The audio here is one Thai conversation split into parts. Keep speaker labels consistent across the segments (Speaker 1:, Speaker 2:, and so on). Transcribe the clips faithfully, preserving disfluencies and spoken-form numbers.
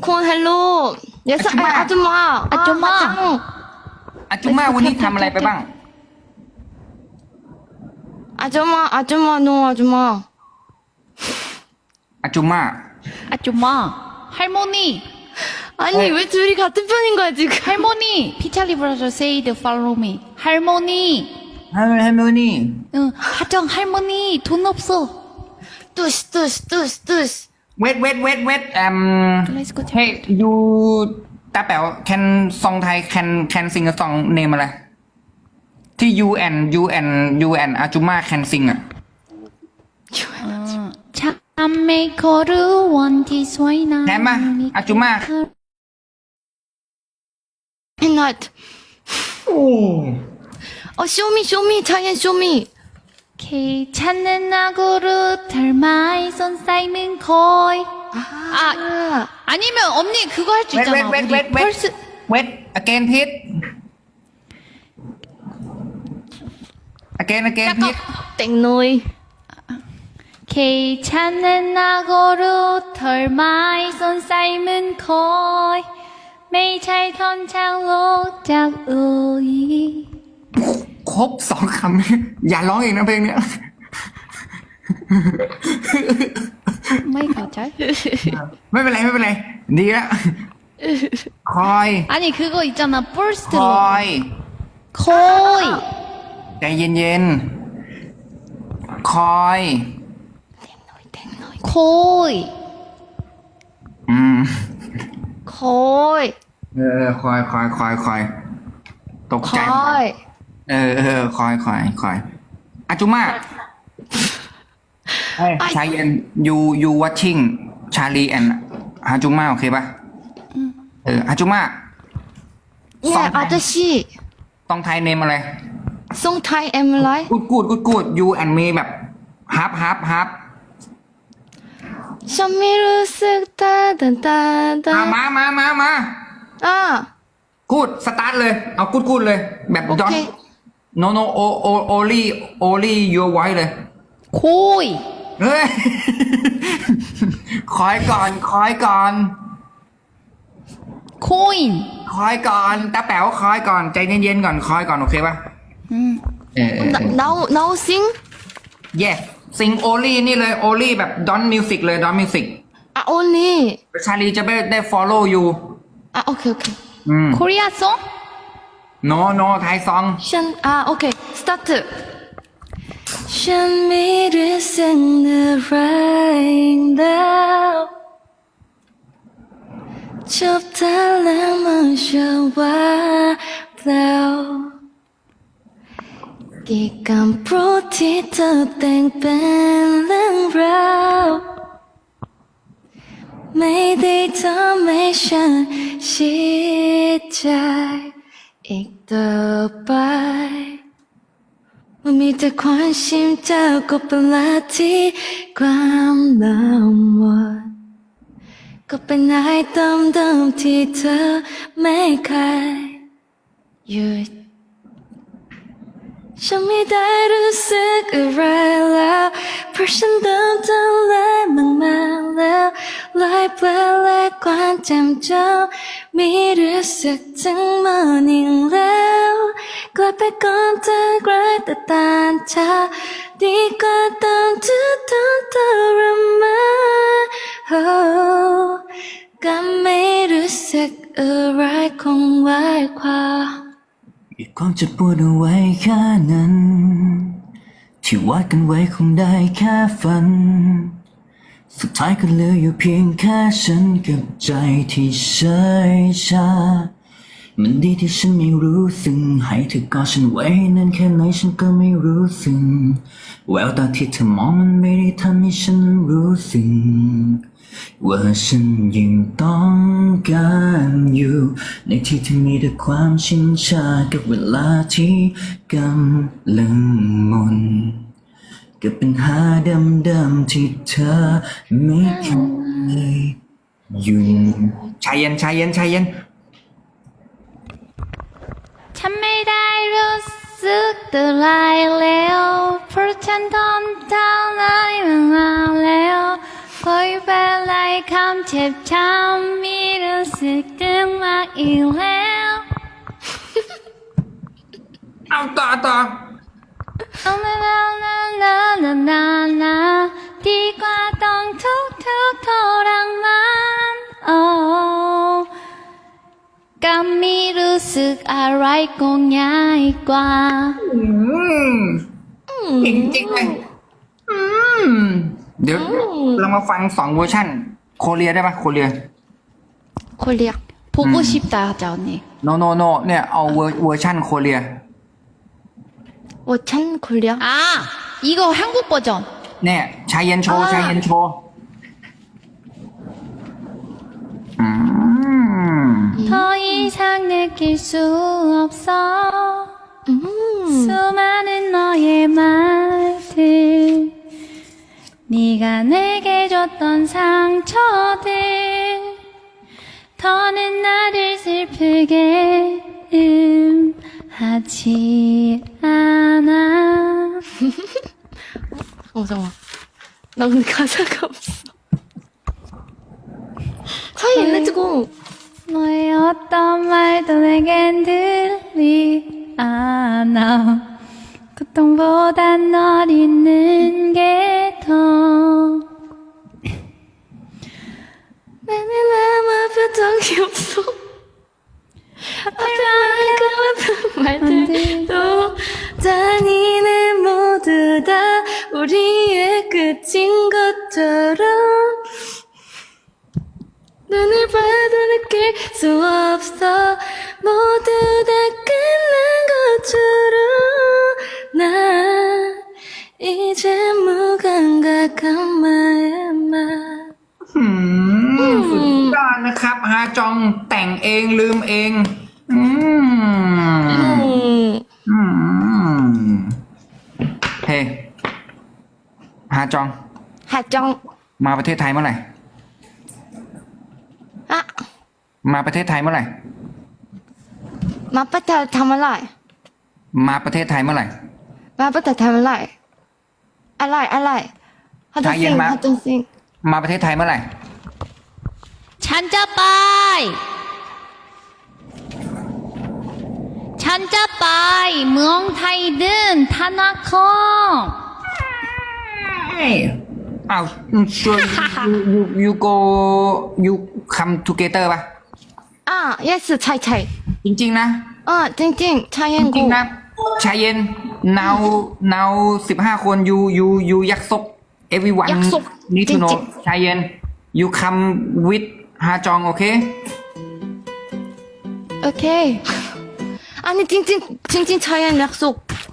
Speaker 1: 콘 헬로 예스 아, 아줌마
Speaker 2: 아줌마.
Speaker 1: 아,
Speaker 3: อาจุม่าวันนี้ทำอะไรไปบ้าง
Speaker 1: 아줌마 아줌마 노 아줌마
Speaker 3: อาจุม่า
Speaker 2: 아줌마. 할머니.
Speaker 1: 아니 왜 둘이 같은 편인 거야 지금
Speaker 2: 할머니. 피찰리 브라더 세이드 팔로우 미. 할머니.
Speaker 3: ฮัลโหลฮัลโหลนี่
Speaker 2: 응, 하정 할머니 돈 없어.
Speaker 1: 뚜시 뚜시 뚜시 뚜시
Speaker 3: เวทเวทเวทเวทเอ่ม
Speaker 2: Let's go.
Speaker 3: เฮ้ยยูตาแป๋ว can ซองไทย can can sing a song name อะไร ที่ you and you and you and อาจุม่า can sing อ่ะ
Speaker 2: 어, 참메 거루 원티 소이나.
Speaker 3: แทนมาอาจุม่า
Speaker 1: 햇낫
Speaker 3: โอ้
Speaker 1: 어 쇼미 쇼미 차이엔 쇼미
Speaker 2: K 찾는 나고루 닮아이 손 쌓이는 거이.
Speaker 1: 아
Speaker 2: 아니면 언니 그거 할 수
Speaker 3: เวทเว
Speaker 2: 있잖아.
Speaker 3: ทเวทเวท
Speaker 2: 우리
Speaker 3: เวท
Speaker 2: 펄스.
Speaker 3: เวท again พิษ again again พิษ
Speaker 1: 땡노이
Speaker 2: K 찾는 나고루 털마이 손 쌓이는 거이. 매일 잘 건창로 짝우이.
Speaker 3: ครบสองคำ อย่าร้องอีกนะเพลงเนี้ย
Speaker 2: 마이 가잘.
Speaker 3: ไม่เป็นไรไม่เป็นไร ดีแล้ว คอย
Speaker 2: 아니 그거 있잖아. first
Speaker 3: คอย
Speaker 2: 거이.
Speaker 3: ใจเย็นๆ คอย
Speaker 2: 거이.
Speaker 3: อืม
Speaker 1: 거이
Speaker 3: เออ คอยคอยคอยคอย ตกใจ
Speaker 1: 거이
Speaker 3: เออเออคอยคอยคอยอาจุม่าเฮ้ยชายเย็น you you watching ชาลีแอนอาจุม่าโอเคป่ะเอออาจุม่า
Speaker 1: 예 아저씨
Speaker 3: ต้องไทยเนมอะไร
Speaker 1: 송타이 엠라이
Speaker 3: กูดกูดกูดกูด you and me แบบฮับฮับฮับ
Speaker 1: 션미루 쓱따단따단
Speaker 3: อ่ะมามามามา
Speaker 1: 아
Speaker 3: กูดสตาร์ทเลย เอากูดกูดเลย แบบดอน
Speaker 1: 오케이
Speaker 3: no no o o only only your voice เลย
Speaker 2: 고이.
Speaker 3: เฮ้ย คอยก่อน คอยก่อน
Speaker 2: 코인.
Speaker 3: คอยก่อนตาแป๋วคอยก่อน ใจเย็นๆก่อน คอยก่อน โอเคป่ะ
Speaker 2: 음.
Speaker 3: เออเออ
Speaker 1: 나, 나우 나우 싱?
Speaker 3: yes sing only นี่เลย only แบบ don music เลย don music
Speaker 1: 아 언니
Speaker 3: ชาลีจะไม่ได้ follow you
Speaker 1: 아 오케이 오케이
Speaker 3: อืม
Speaker 2: 코리아 송?
Speaker 3: no no ไทยซอง
Speaker 1: 션, 아, 오케이. 스타트. 션미를 sing the right now. 좁달랑 모셔와 blow. 기간 프로티터 땡뺑랑 row. Mayday Tomation 시작. อีกต่อไปมันมีแต่ความชิมเจ้าก็เป็นละที่ความลำบากก็เป็นนายเติมเดิมที่เธอไม่เคยหยุดฉันไม่ได้รู้สึกอะไรแล้วเพราะฉันเดินทางเลยมากมาแล้วลายเปล่าและความจำเจ้ามีรู้สึกถึงมันอีกแล้วกลับไปก่อนเธอใกล้แต่ตานเธอดีกว่าตอนที่เธอทรมานโอ้ก็ไม่รู้สึกอะไรคงไว้ความ
Speaker 4: อีกความเจ็บปวดเอาไว้แค่นั้น ที่วาดกันไว้คงได้แค่ฝัน สุดท้ายก็เหลืออยู่เพียงแค่ฉันกับใจที่เฉยชา มันดีที่ฉันไม่รู้สึกให้เธอกอดฉันไว้นานแค่ไหนฉันก็ไม่รู้สึกแววตาที่เธอมองมันไม่ได้ทำให้ฉันรู้สึกว่าฉันยังต้องการอยู่ในที่ที่มีแต่ความชินชากับเวลาที่กำลังหมนกับปัญหาเดิมๆที่เธอไม่เคยอยู่
Speaker 3: ชายเย็นชายเย็นชายเย็น
Speaker 2: ฉันไม่ได้รู้สึกอะไรแล้วเพราะฉันทำเท่าไรมานานแล้วคอยเป็นไรคำเจ็บช้ำมีสึกถึงมากอีกแล้ว
Speaker 3: เอาต่อต่อ
Speaker 2: เอาลาลาลาลาลาลาลาดีกว่าต้องทุกทุกทรมานโอ้ก็ไม่รู้สึกอะไรก็ง่ายกว่า
Speaker 3: อืมจริงจริงๆเลยอืมเดี๋ยวเรามาฟังสองเวอร์ชันโคเรียได้ปะโคเรีย
Speaker 1: 코리아.
Speaker 2: 보고 싶다 하자 언니.
Speaker 3: no no no เนี่ยเอาเวอร์เวอร์ชันโคเรีย
Speaker 1: 워찬 코리아.
Speaker 2: 아 이거 한국 버전.
Speaker 3: เนี่ยชายเย็นโชว์ชายเย็นโชว์อืม
Speaker 2: 더 이상 느낄 수 없어
Speaker 1: 음.
Speaker 2: 수많은 너의 말들 네가 내게 줬던 상처들 더는 나를 슬프게 음, 하지 않아
Speaker 1: 어 잠깐만. 나 근데 가사가 없어. 사이 렛츠고.
Speaker 2: 너의 어떤 말도 내겐 들리 않아 고통보단 널 잊는 게 더
Speaker 1: 나는 아무 표정이 없어. 앞에만 말들도 잔인해 모두 다 우리의 끝인 것처럼 눈을 봐도 느낄 수 없어 모두 다 끝난 것처럼 난 이제 무감각한 마음만
Speaker 3: อืมสุดยอดนะครับฮาจองแต่งเองลืมเอง อืม
Speaker 1: 음.
Speaker 3: อืมเฮ้ฮาจอง
Speaker 1: 하정
Speaker 3: มาประเทศไทยเมื่อไหร่
Speaker 1: 아
Speaker 3: มาประเทศไทยเมื่อไหร่
Speaker 1: 마빠타 타말라이
Speaker 3: มาประเทศไทยเมื่อไหร่
Speaker 1: 마빠타 타말라이 알라이 알라이 하정싱
Speaker 3: 마.
Speaker 1: 하정싱
Speaker 3: มาประเทศไทยเมื่อไหร่
Speaker 2: 찬자빠이 찬자빠이 무엉타이든 타나콩
Speaker 3: อ้าว sure you you you go you come together ป่ะ
Speaker 1: 아 예스 차이 차이
Speaker 3: จริงๆนะ
Speaker 1: 어 찡찡
Speaker 3: จริง
Speaker 1: 차이앤고
Speaker 3: ๆนะชายเย็น now now สิบห้าคน you you you ยักษ์ซก everyone
Speaker 1: ยักษ์ซก
Speaker 3: need to know
Speaker 1: จริง
Speaker 3: ชายเย็น you come with ฮาจองโอเค
Speaker 1: 오케이 아니 찡찡 찡찡 차이앤 약속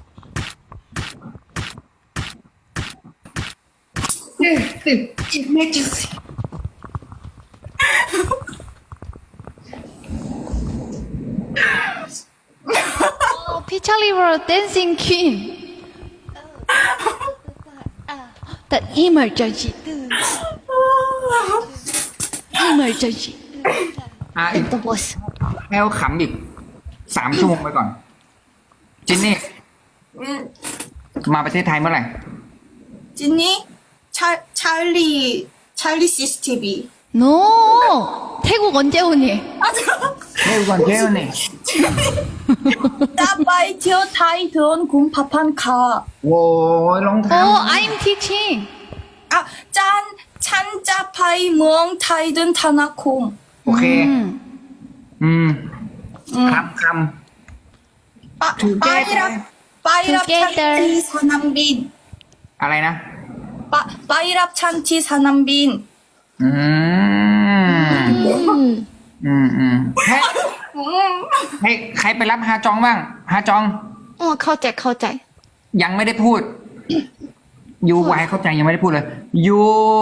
Speaker 2: 어, 피찰리버 댄싱 퀸. The emergency. emergency.
Speaker 3: อ่ะอีก
Speaker 1: The boss
Speaker 3: แอลขำอีกสามชั่วโมงไปก่อน จินนี่ มาประเทศไทยเมื่อไหร่
Speaker 5: 찐니? 차, 찰리, 찰리 씨씨티비.
Speaker 2: No. 태국 언제 오니?
Speaker 3: เฮ้ยก่อนเท่านี่
Speaker 5: 따바이 티어 타이 드온 군 파판 카.
Speaker 3: โว้ยรองเท้า
Speaker 2: Oh, I'm teaching.
Speaker 5: 아, 짠, 찬짜파이 무엉 타이든 타나콩.
Speaker 3: โอเค
Speaker 2: 음.
Speaker 3: อืมคำค
Speaker 5: 아,
Speaker 3: Together.
Speaker 5: 빠이랍, 빠이랍
Speaker 2: Together.
Speaker 5: 찬티 사남빈.
Speaker 3: ำอะไรนะ
Speaker 5: 빠, 빠이랍 찬티 사남빈.
Speaker 3: อืม
Speaker 1: 음.
Speaker 3: อืมอืมให้ให้ใครไปรับฮาจองบ้าง ฮาจอง
Speaker 1: 어เข้าใจเข้าใจ
Speaker 3: ยังไม่ได้พูด ยูไวเข้าใจยังไม่ได้พูดเลย ยู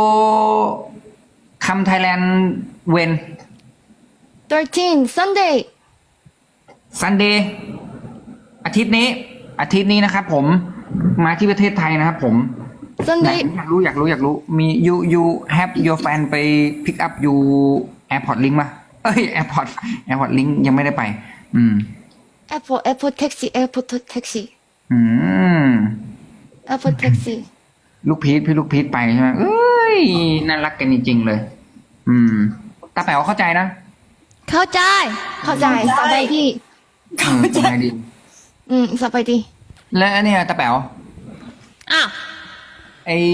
Speaker 3: คำไทยแลนด์เวน
Speaker 1: thirteen Sunday
Speaker 3: ซันเดย์อาทิตย์นี้ อาทิตย์นี้นะครับผม มาที่ประเทศไทยนะครับผม ไหน
Speaker 1: Sunday
Speaker 3: อยากรู้อยากรู้อยากรู้ มี you you have your fan ไป pick up you airport link มาเอ้ย airport airport link ยังไม่ได้ไป อืม
Speaker 1: Airport Airport taxi Airport taxi
Speaker 3: อืม
Speaker 1: Airport taxi
Speaker 3: ลูกพีทพี่ลูกพีทไปใช่ไหมเอ้ยน่ารักกันจริงๆเลย อืมตาแป๋วเข้าใจนะ
Speaker 2: เข้าใจ
Speaker 1: เข้าใจสบายดี
Speaker 3: อืมสบายดี
Speaker 1: อืมสบายดี
Speaker 3: และอันเนี่ยตาแป๋ว
Speaker 2: อ้าว
Speaker 3: ไอ้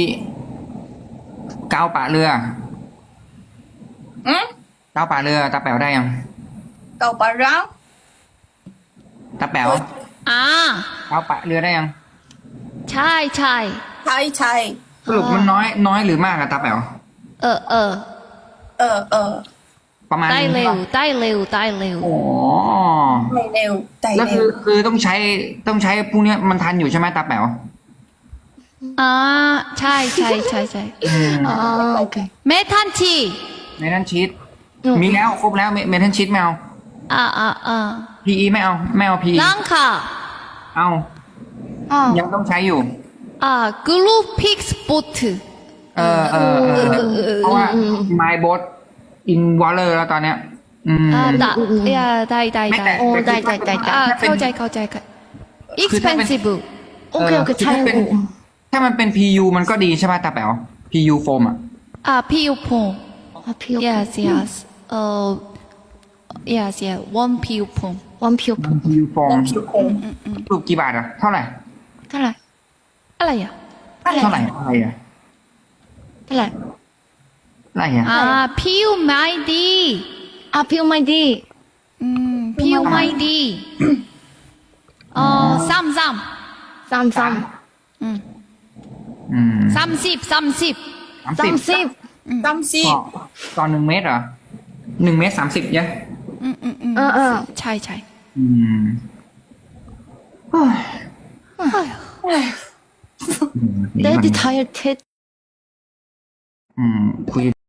Speaker 3: กาวปะเรือ
Speaker 5: อืม
Speaker 3: กาวปะเรือตาแป๋วได้ยัง
Speaker 5: เก่าปะรัง
Speaker 3: ตาแป๋ว
Speaker 2: อ่าก
Speaker 3: าวปะเรือได้ยัง
Speaker 2: ใช่ใช่
Speaker 5: ใช่ใช่
Speaker 3: สรุปมันน้อยน้อยหรือมากอะตาแป๋ว
Speaker 2: เออเออ
Speaker 5: เออเออ
Speaker 3: ประมาณ
Speaker 2: ได้
Speaker 3: นึง
Speaker 2: เร็ว
Speaker 3: ปะ
Speaker 2: ได้เร็วได้เร็ว
Speaker 3: อ๋อ
Speaker 5: ไม่เร็วใจ
Speaker 3: แล้ว
Speaker 5: เร็
Speaker 3: คื
Speaker 5: ว
Speaker 3: อคือต้องใช้ต้องใช้พวกเนี้ยมันทันอยู่ใช่ไหมตาแป๋ว
Speaker 2: อ่าใช่ใช่ใช่ใช่
Speaker 3: อืม
Speaker 1: อ๋อโอเค
Speaker 2: เมทันที
Speaker 3: เมทัลชีต
Speaker 1: อืม
Speaker 3: มีแล้วครบแล้วเมทัลชีตไม่เอา
Speaker 2: อ่าอ่าอ่า
Speaker 3: พีอีไม่เอาไม่เอาพี
Speaker 2: ลังค่ะ
Speaker 3: เอา
Speaker 1: อ๋อ
Speaker 3: ยังต้องใช้อยู่
Speaker 2: อ่ากรุ๊ปพิกสปอต
Speaker 3: เออเออเออเพราะว่า my boat in water แล้วตอนเนี้ย อืม
Speaker 2: อ่าได้อ่าได้ได้
Speaker 3: ไม่
Speaker 2: ได้
Speaker 3: แต่
Speaker 1: โอ้ได้ได้ได้ได้
Speaker 2: อ่า
Speaker 3: ถ้าเป็น
Speaker 2: เข้าใจเข้าใจค่ะ
Speaker 3: คือถ้าเป็น
Speaker 2: expensive
Speaker 1: โอเคโอเค
Speaker 3: คือ
Speaker 1: ใช่
Speaker 3: ถ้าเป็น
Speaker 1: โอ้
Speaker 3: ถ้ามันเป็น พี ยู มันก็ดีใช่ป่ะตาแป๋ว พี ยู โฟมอ่ะ
Speaker 2: อ่าพี่ยูพง
Speaker 1: อ๋อผิว
Speaker 2: yes yes เอ่อ yes yes one พี่ยูพง
Speaker 1: วันผิว
Speaker 3: พี ยู โฟม
Speaker 5: ผิวคง
Speaker 3: รูปกี่บาทอ่ะ เท่าไหร่
Speaker 1: เท่าไหร่
Speaker 2: อะไรอ่ะ
Speaker 3: เท่าไหร่อะไรอ่ะ
Speaker 1: เท่าไหร่
Speaker 3: อะไรอ่ะ
Speaker 2: อ่าพี่ยูไม่ดี
Speaker 1: อ่ะผิวไม่ดี
Speaker 2: อืมพี่ยูไม่ดีเอ่อสามสาม
Speaker 1: สามสาม
Speaker 2: อืม
Speaker 3: อืม
Speaker 2: สามสิบสามสิบ
Speaker 3: สาม
Speaker 1: สา
Speaker 3: สิบ
Speaker 1: มสิบ
Speaker 5: จำสิ
Speaker 3: ต่อต่อหนึ่งเมตรเหรอหนึ่งเมตรสามสิบเนี่ย
Speaker 2: อืมอืมอืม
Speaker 1: เออเออ
Speaker 2: ใช่ใช่
Speaker 3: อืม
Speaker 1: เดดทายเท็ด
Speaker 3: อืมคุย